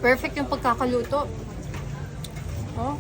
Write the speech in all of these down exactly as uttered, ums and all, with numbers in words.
Perfect yung pagkakaluto. Oh.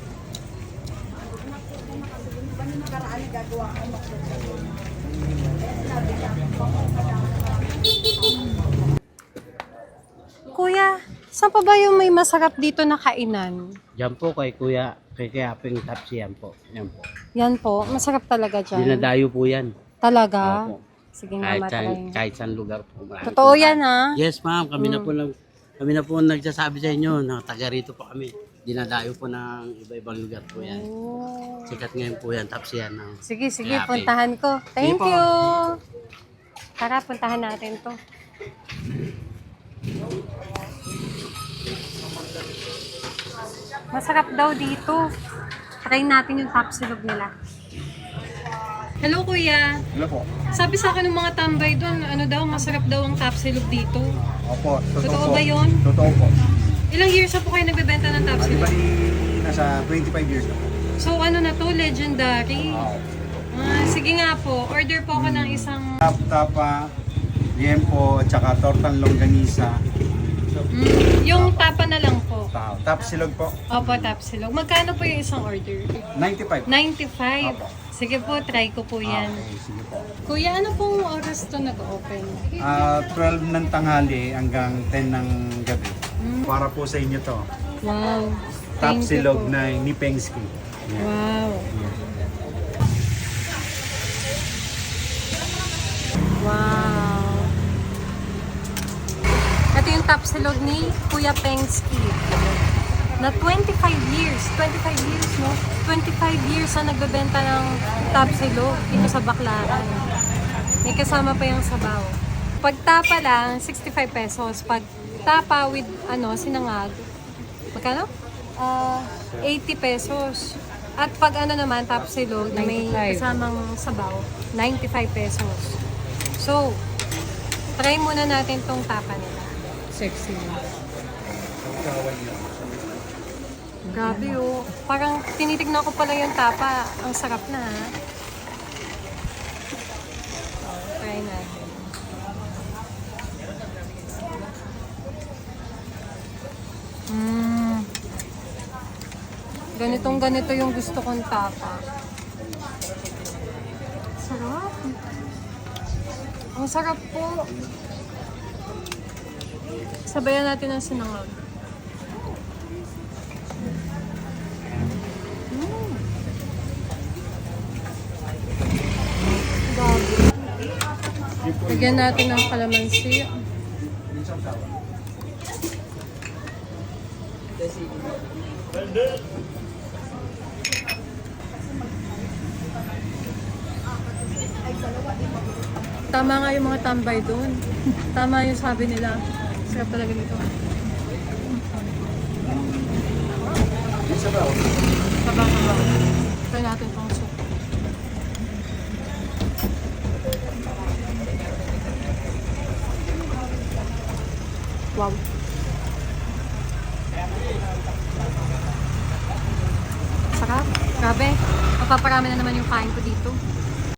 Kuya, saan pa ba yung may masarap dito na kainan? Diyan po kay Kuya, kay Kaping Tapsi yan po. Yan po. Yan po, masarap talaga dyan. Dinadayo po yan. Talaga? Opo. Sige nga, Kahit saan, matry. kahit saan lugar po. Marami Totoo po. yan, ha? Yes ma'am, kami na Mm. po lang, kami na po nagsasabi sa inyo na taga rito po kami. Dinadayo po ng iba-ibang lugar po yan. Oh. Sikat ngayon po yan, Tapsi yan. No? Sige, sige, Kaya, puntahan ko. Thank Sige po. you! Tara, puntahan natin to. Masarap daw dito. Try natin yung tapsilog nila. Hello, kuya. Hello po. Sabi sa akin ng mga tambay doon, ano daw, masarap daw ang tapsilog dito. Opo, totoo, Totoo po. ba yun? Totoo po. Ilang years na po kayo nagbebenta ng Bali tapsilog? bali nasa twenty-five years na po. So, ano na to? Legendary. Ah, sige nga po, order po ako ng isang... Tap tapa, liempo, at saka tortang longganisa. Mm, yung tapa na lang po. Tap, tap silog po. Opo, tapsilog. Magkano po yung isang order? ninety-five. ninety-five. Opo. Sige po, try ko po yan. Okay, sige po. Kuya, ano pong oras to nag-open? Ah, twelve ng tanghali hanggang ten ng gabi. Mm. Para po sa inyo to. Wow. Tap Thank you silog po. na ni Pengski. Yan. Wow. Yan. Wow. Ito yung top silog ni Kuya Pengski. Na twenty-five years. twenty-five years, no? twenty-five years na nagbebenta ng top silog dito sa Baclaran. May kasama pa yung sabaw. Pag tapa lang, sixty-five pesos. Pag tapa with, ano, sinangag, magkano? Ah, eighty pesos. At pag ano naman, top silog, na may kasamang sabaw, ninety-five pesos. So, try muna natin tong tapa nila. Sexy. Grabe oh. Parang tinitignan ko pala yung tapa. Ang sarap na ha. So, try natin. Mmm. Ganitong ganito yung gusto kong tapa. Sarap. Ang sarap po. Sabayan natin ang sinangag. Mm. Grabe. Lagyan natin ng kalamansi. Tama nga yung mga tambay doon. Tama yung sabi nila. Sarap talaga dito. Sabaw, sabaw. Try natin pang soup. Wow. Sarap. Grabe. Mapaparami na naman yung kain ko dito.